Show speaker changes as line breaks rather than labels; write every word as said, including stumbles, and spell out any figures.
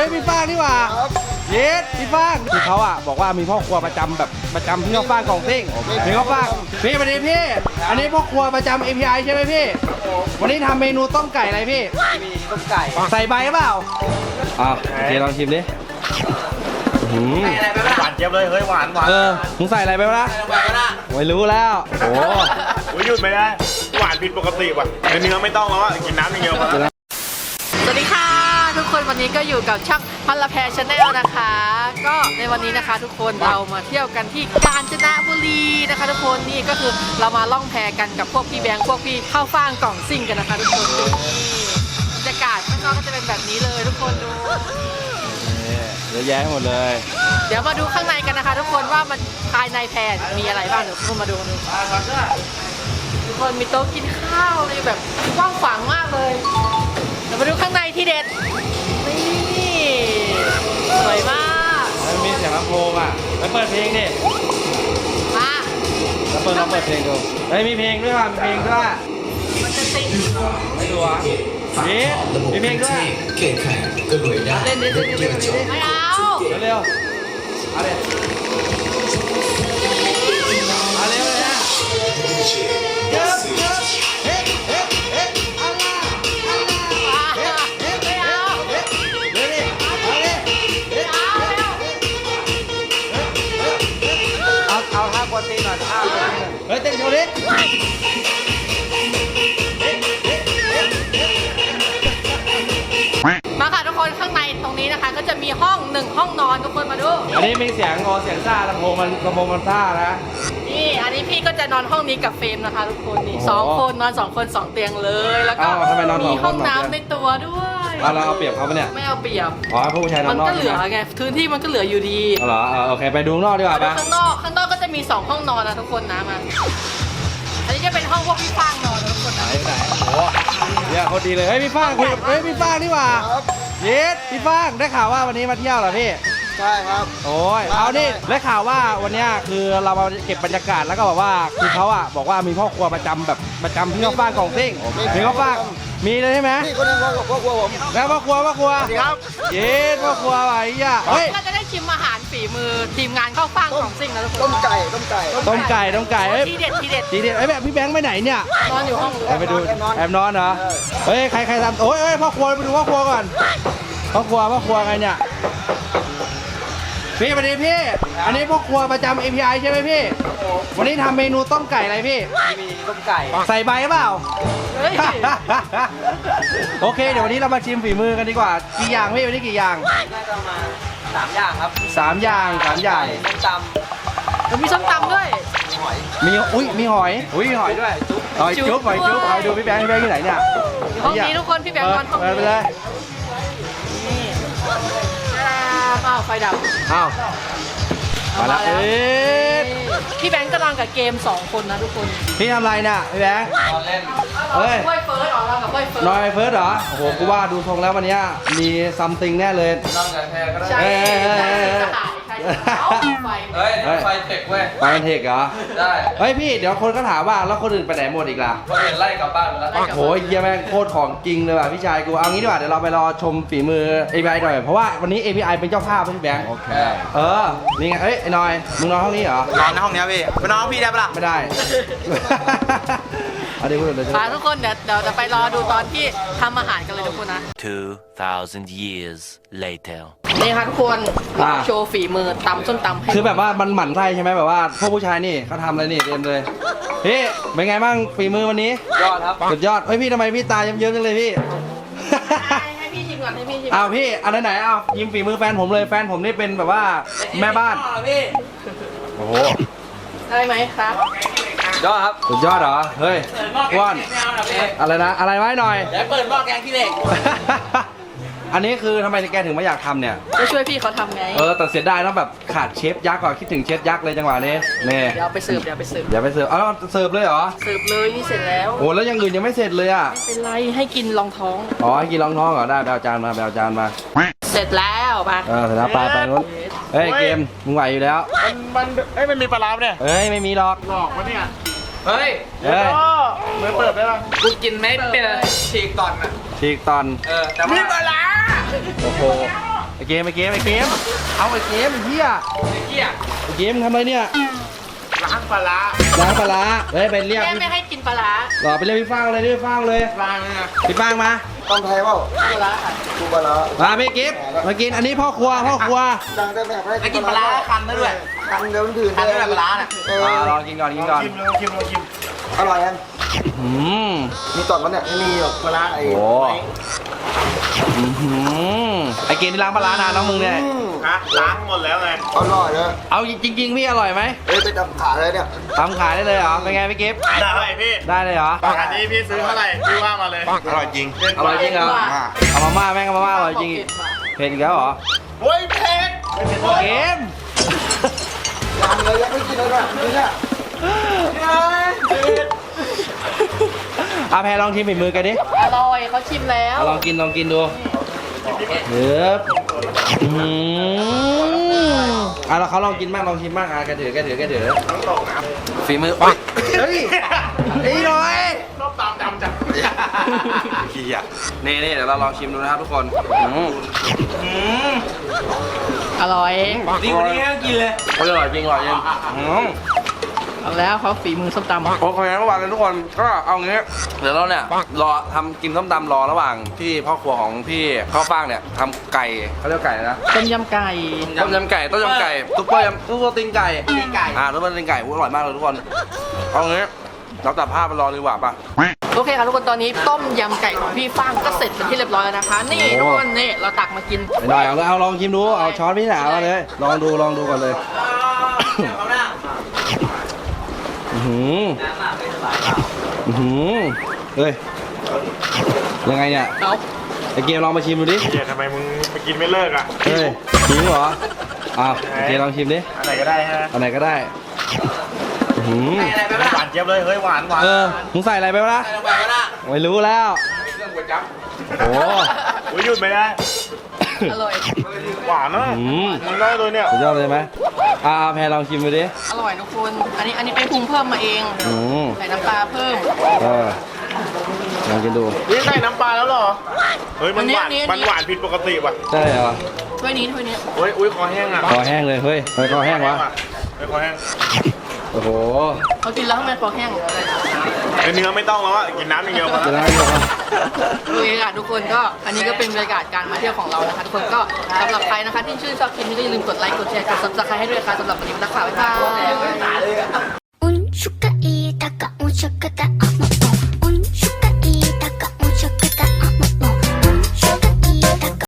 ฮ้ยพี่ฟ้างนี่หว่าเยสพี่ฟ้างคือเขาอ่ะบอกว่ามีพ่อครัวประจำแบบประจำที่เขาฟ้างกล่องซิ่งพี่เขาฟ้างพี่วันนี้พี่อันนี้พ่อครัวประจำ เอ พี ไอ ใช่ไหมพี่วันนี้ทำเมนูต้มไก่อะไรพี่
มีต้มไก่
ใส่ใบเปล่าอ่ะโอเคลองชิมดิ
หวานเจี๊ยบเลยเฮ้ยหวานหวาน
เออมึงใส่อะไรไปวะไม่รู้แล้วโอ้โห
หยุดไม่ได้หวานผิดปกติว่ะในเนื้อไม่ต้องแล้วอ่ะกินน้ำอย่างเดียวพอแล้ว
สวัสดีค่ะทุกคนวันนี้ก็อยู่กับช่างพันละแพชาแนลนะคะก็ในวันนี้นะคะทุกคนเรามาเที่ยวกันที่กาญจนบุรีนะคะทุกคนนี่ก็คือเรามาล่องแพกันกับพวกพี่แบงค์พวกพี่ข้าวฟ่างกล่องซิ่งกันนะคะทุกคนนี่บรรยากาศข้างนอกก็จะเป็นแบบนี้เลยทุกคนดู
เยอะแยะหมดเลย
เดี๋ยวมาดูข้างในกันนะคะทุกคนว่ามันภายในแพมีอะไรบ้างเดี๋ยวทุกคนมาดูดูทุกคนมีโต๊ะกินข้าวเลยแบบกว้างขวางมากเลยเดี๋ยวมาดูข้างในที่เด็ดนี่สวยมาก
แล้วมีเสียงลำโพงอ่ะไปเปิดเพลงดิ
มา
แล้วเปิดลองเปิดเพลงดูเฮ้ยมีเพลงด้วยว่ะมีเพลงด้วย
มันจะติด
ไม่ดูอ่ะมีมีเพลงด้วย
เล่นดิเล่นดิเล่นดิไม่เอา
เร็วเอาเลยเอาเร็วเลยนะเฮ้ยเฮ้ยเฮ้ยเฮ้ยอัลลาอัลลาเฮ้ยเฮ้ยไม่เอาเฮ้ยเร็วดิเอาเลยเฮ้ยเอาเร็วเอาเอาท่าปกติหน่อยท่าปกติหน่อยเฮ้ยเต้นโชว์ดิ
มาค่ะทุกคนข้างในตรงนี้นะคะก็จะมีห้องหนึ่งห้องนอนทุกคนมาดู
อันนี้มีเสียงงอเสียงซ่าลำโพงมันลำโพงมันซ่านะ
นี่อันนี้พี่ก็จะนอนห้องนี้กับเฟรมนะคะทุกคนนี่สองคนนอนสองคนสองเตียงเลยแล้วก็มีห้องน้ำในตัวด้วย
เราเอาเปรียบเขาปะเนี่ย
ไม่เอาเปรียบ
อ๋อผู้ชายนอนนอก
มันก็เหลือไงพื้นที่มันก็เหลืออยู่ดี
เหรอโอเคไปดูนอกดีกว่าปะ
ข้างนอกข้างนอกก็จะมีสองห้องนอนนะทุกคนนะมาอันนี้จะเป็นห้องพวกพี่ฟางนอนทุกคนนะ
ไหนไหนโอ้เนี่ยเขาดีเลยเฮ้ยพี่ฟางคุยเฮ้ยพี่ฟางนี่หว่าเยสพี่ฟางได้ข่าวว่าวันนี้มาเที่ยวเหรอพี่
ใช่ครับ
โอ้ยเอานี่ได้ข่าวว่าวันนี้คือเรามาเก็บบรรยากาศแล้วก็บอกว่าคือเขาอ่ะบอกว่ามีพ่อครัวประจำแบบประจำที่เขาฟ้างกล่องซิ่งมีเขาฟ้างมีเลยใช่ไหม
นี่คนนึงพ่อพ่อครัวผม
แล้วพ่อครัวพ่อครัว
ครับ
เย้พ่อครัวอะไรอ่ะ
เฮ้ยเราจะได้ชิมอาหารฝีมือทีมงานข้าวฟ่างของซิ่งนะทุกคน
ต้มไก่ต้มไก่
ต้มไก่ต้มไก่เอ้ย
ทีเด็ดทีเด็ด
ทีเด็ดไอ้แบบพี่แบงค์ไปไหนเนี่ย
นอนอยู่ห้อง
ไปดูแอบนอนเหรอเฮ้ยใครใครทำโอ้ยเอ้ยพ่อครัวไปดูพ่อครัวก่อนพ่อครัวพ่อครัวไงเนี่ยพี่วันนี้พี่อันนี้พ่อครัวประจำ เอ พี ไอ ใช่ไหมพี่วันนี้ทำเมนูต้มไก่อะไรพี่
มีต้มไก่
ใส่ใบเปล่าโอเคเดี๋ยววันนี้เรามาชิมฝีมือกันดีกว่ากี่อย่างพี่วันนี้กี่อย่าง
น่าจะมาสามอย่างครับ
สามอย่างสามอย่าง
ส้มตำ
มีส้มตำด้วย
หอย
มีอุ้ยมีหอยอุ้ยหอยด้วยหอยจุ๊บหอยจุ๊บหอยดูพี่แบงค์พี่แบงค์ที่ไหนเนี่ย
ห้องนี้ทุกคนพี่แบงค์นอนห้องนี้
ไปเลย
นี่อ้าวไฟดับ
อ้าวมาแล้ว
พี่แบงค์ก็นอนกับเกมสองคนนะทุกคน
พี่ทำอะไรน่ะพี่แบงค์
นอนเล่น
เฮ้ยเฟิร์สเหรอนอนกับเฟิร์ส
นอนกับเฟิร์สเหรอโอ้โหกูว่าดูทรงแล้ววันนี้มีซัมติงแน่เลย
นอนกับแพรก็ได้
ใช่ไฟ
เฮ้ยไฟเทคเว้ย
ไฟเทคเหรอ
ได้
เฮ้ยพี่เดี๋ยวคนก็ถามว่าแล้วคนอื่นไปไหนหมดอีกล่ะ
คนอื่นไล่กลับบ้านแล้ว
โอ้ยเยี่ยมแม่งโคตรของจริงเลยว่ะพี่ชายกูเอางี้ดีกว่าเดี๋ยวเราไปรอชมฝีมือ เอ พี ไอ หน่อยเพราะว่าวันนี้ เอ พี ไอ เป็นเจ้าภาพพี่แบงค์โอเคเออนี่ไงเอ้ยไอ้นอยมึงนอนห้องนี้เหรอน
อนในห้องนี้พี่ไปนอนห้องพี่ได้ปะล่ะ
ไม่ได้เอาดิพูดเลย
มาทุกคนเดี๋ยวเดี๋ยวจะไปรอดูตอนที่ทำอาหารกันเลยทุกคนนะ
two thousand years later
นี่ค่ะทุกคนโชว์ฝีมือตำส้มตำให้
คือแบบว่ามันหมั่นไส้ใช่ไหมแบบว่าพวกผู้ชายนี่เขาทำอะไรนี่เต็มเลยพี่เป็นไงบ้างฝีมือวันนี้
ยอดครับ
สุดยอดเฮ้ยพี่ทำไมพี่ตาเยิ้มๆจังเลยพี่
ให้พี่ชิมก่อนให้พี่ชิม
อ้าวพี่อันไหนๆเอายิ้มฝีมือแฟนผมเลยแฟนผมนี่เป็นแบบว่าแม่บ้านโอ้โห
ได้ไหมครับ
ยอดครับ
สุดยอดเหรอเฮ้ยอ้วนอะไรนะอะไรไว้หน่อย
เดี๋ยวเปิดหม้อแกงขี้เหล็ก
อันนี้คือทำไมแกถึงไม่อยากทำเนี่ย
ก็ช่วยพี่เขาทำไง
เออแต่เสียดายนะแบบขาดเชฟยักษ์ก่อนคิดถึงเชฟยักษ์เลยจังหวะนี้
เนี่ยเดี๋ยวไปเสิร์ฟเดี๋ยวไปเสิร์ฟ
เดี๋ยวไปเสิร์ฟเอาเสิร์ฟเลยเหรอ
เสิร์ฟเลยนี่เสร็จแล้ว
โอ้แล้วยังอื่นยังไม่เสร็จเลยอ่ะ
ไม่เป็นไรให้กินรองท้อง
อ๋อให้กินรองท้องเหรอได้ไปเอาจานมาไปเอาจานมา
เสร็จแล้วไป
เออเสร็จแล้วไปไปนู้นเฮ้ยเกมมึงไหวอยู่แล้ว
มันมันเอ้ยมันมีปลาร้าเนี่ย
เฮ้ยไม่มีหรอก
หลอกวะเนี่ย
เฮ้ย
เฮ้ย
มือเปิดได้ป่ะ
กูกินไม่เป็นฉีกตอนอ่ะ
ฉีกตอน
เออแต่ว่า
มีปลาร้า
โอ้โหไอเกมไอเกมไอเกมเอาไอเกมไอ้เหี้ย
เกี้ย
ไอเกมทำอะไรเนี่ย
ล้างปลาร้า
ล้างปลาร้าเฮ้ยไปเรียก
แม่ไม่ให้กินปลาร้า
หรอไปเรียกพี่ฟางเลยพี่ฟางเลย
วางเลยนะ
พี่ฟางมา
ต้องไทยเปล่า
ปลาร้าค่ะ
ดูปลาร้า
มาพี่กิฟมากินอันนี้พ่อครัวพ่อครัว
ดังได้แบบให้
ไอ้กินปลาร้าคันได้ด้วย
คันเดี๋ยวมันถือ
คันได้แบบปลาร้าน่ะ
เออ
อ่าลองกินก่อนกินก่อน
ชิมลองชิมลองชิม
อร่อยยัง
อืม
มีตอนมันเนี่ยไม่มีหรอกปลาร้าไอ้
โอ้ อื้อหือไอเกมที่ล้างปลาร้านานน้องมึงเนี่ย
อืม
ฮะล้างหมดแล้วไง
อร่อยเลย
เอาจริงๆพี่อร่อยไหม
เอ้ยไปจับขาเลยเนี่ย
ทำขายได้เลยเหรอเป็นไงพี่กิฟ
ได้พี่
ได้เลยเหรอ
อันนี้พี่ซื้อเท่าไหร่พี่ว่ามาเลย อร่อยจริง
อร่อยจริงเหรอเอามาม่าแม่งเอามาม่าอร่อยจริงเผ็ดอีกแล้วเหรอ
เฮ้ยเผ็ด
เกม
ยังเลยยังไม่กินเลยเนี่ยนี่เนี่ย
อาแพรลองชิมฝีมือกันดิ
อร่อยเขาชิมแล้ว
เอาลองกินลองกินดูเฮ้ยอืมอ่ะแล้วเขาลองกินบ้างลองชิมบ้างอ่ะกระถือกระถือกระถือ
ต้องตกน้
ฝีมือโอ๊ยเฮ้ยนี่หน่อย
ำต้องตามดำจัง
ขี้อ่ะนี่นี่เดี๋ยวเราลองชิมดูนะครับทุกคนอืมอืม
อร่อย
ดีกว่านี้ให้กินเลยอร่อยจริงอร่อยจริงอืม
เอาแล้วเขาฝีมือส้มตำ
โอเคระหว่างกันทุกคนก็เอางี้เดี๋ยวเราเนี่ยรอทำกินส้มตำรอระหว่างที่พ่อครัวของพี่ข้าวฟ่างเนี่ยทำไก่เขาเรียกไก่นะ
ต้มยำไก่
ต้มยำไก่ต้มยำไก่ซุปเปอร์ยำซุปเปอร์ตีนไก่
ตีนไก่
อ่าซุปเปอร์ตีนไก่อุ๊ยอร่อยมากเลยทุกคนเอางี้เราตัดภาพไปรอดีกว่าป่ะ
โอเคค่ะทุกคนตอนนี้ต้มยำไก่ของพี่ฟ้างก็เสร็จเป็นที่เรียบร้อยแล้วนะคะ นี่
โอ้
ทุกคนนี่เราตักมากิน
ไม่ได้เอาเลยเอาลองชิมดูเอาช้อนพี่หนามาเลยลองดูลองดูก่อนเลย
เขาหน้า
อื้อหือ
น้ำอ่ะไม่สบาย
อื้อหือเฮ้ยยังไงเนี่ย
เอา
ไอเกมลองมาชิมดูดิ
เฮียทำไมมึงไปกินไม่เลิกอ่ะ
เฮ้ยชิมเหรออ้าวไอเกมลองชิมดิ
อันไหนก็ได้ฮะ
อันไหนก็ได้อื้อหือ
อะไรไป
ห
บ้าง
วานเจี๊ยบเลย เฮ้ยหวานหวาน
เออมึงใส่อะไรไปวะล่ะ
อะไรลงไปก็ได้
ไม่รู้แล้ว
เครื่องก๋วยจั๊บ
โอ้
อุ้ยหยุดไม่ได้
อร่อย
หวานนะ
อืม
มันได้เลยเนี่ย
สุดยอดเลยไหมอ่าแพรลองชิมดูดิ
อร่อยทุกคน อันนี้อันนี้ไปปรุงเพิ่มมาเอง
อืม
ใส่น้ำปลาเพิ่ม
เออลองกินดู
นี่ใส่น้ำปลาแล้วเหรอ เฮ้ยมันหวาน
อันนี้
มันหวานผิดปกติว่ะ
ได้เหรอ
ถ้วยนี้ถ้วยนี้
เฮ้ย อุ้ยคอแห้งอ่ะ
คอแห้งเลยเฮ้ยทำไมคอแห้งวะ
เฮ้ยคอแห้ง
โอ้โห
เขากินแล้วทำไมคอแห้ง
เฮ้ยเนื้อไม่ต้องแล้วอ่ะ กินน้ำอย่างเดียวพอ
จะ
แล้ว
ได้ไหมครับ
โอเคค่ะทุกคนก็อันนี้ก็เป็นบรรยากาศการมาเที่ยวของเรานะคะทุกคนก็สำหรับใครนะคะที่ชื่นชอบคลิปนี้ก็อย่าลืมกดไลค์กดแชร์กดซับสไครต์ให้ด้วยค่ะสำหรับวันนี้นักข่าวบ๊ายบาย
운수가 이다가 오셨겠다 어머